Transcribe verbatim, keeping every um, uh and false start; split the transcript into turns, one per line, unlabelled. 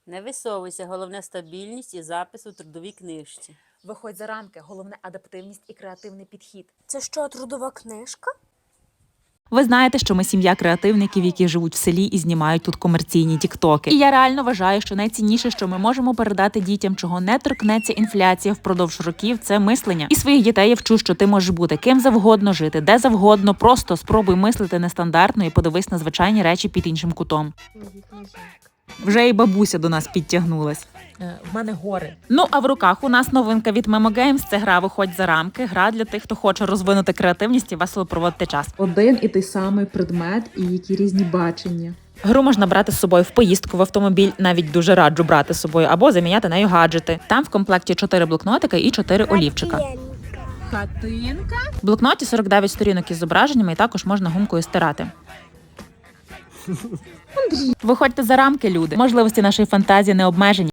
Не висовуйся, головне стабільність і запис у трудовій книжці.
Виходь за рамки, головне адаптивність і креативний підхід.
Це що, трудова книжка?
Ви знаєте, що ми сім'я креативників, які живуть в селі і знімають тут комерційні тіктоки. І я реально вважаю, що найцінніше, що ми можемо передати дітям, чого не торкнеться інфляція впродовж років, це мислення. І своїх дітей я вчу, що ти можеш бути ким завгодно, жити де завгодно, просто спробуй мислити нестандартно і подивись на звичайні речі під іншим кутом. Вже і бабуся до нас підтягнулась.
Е, в мене гори.
Ну, а в руках у нас новинка від Memo Games – це гра «Виходь за рамки». Гра для тих, хто хоче розвинути креативність і весело проводити час.
Один і той самий предмет, і які різні бачення.
Гру можна брати з собою в поїздку в автомобіль, навіть дуже раджу брати з собою, або заміняти нею гаджети. Там в комплекті чотири блокнотика і чотири олівчика.
Хатинка?
В блокноті сорок дев'ять сторінок із зображеннями і також можна гумкою стирати. Виходьте за рамки, люди. Можливості нашої фантазії не обмежені.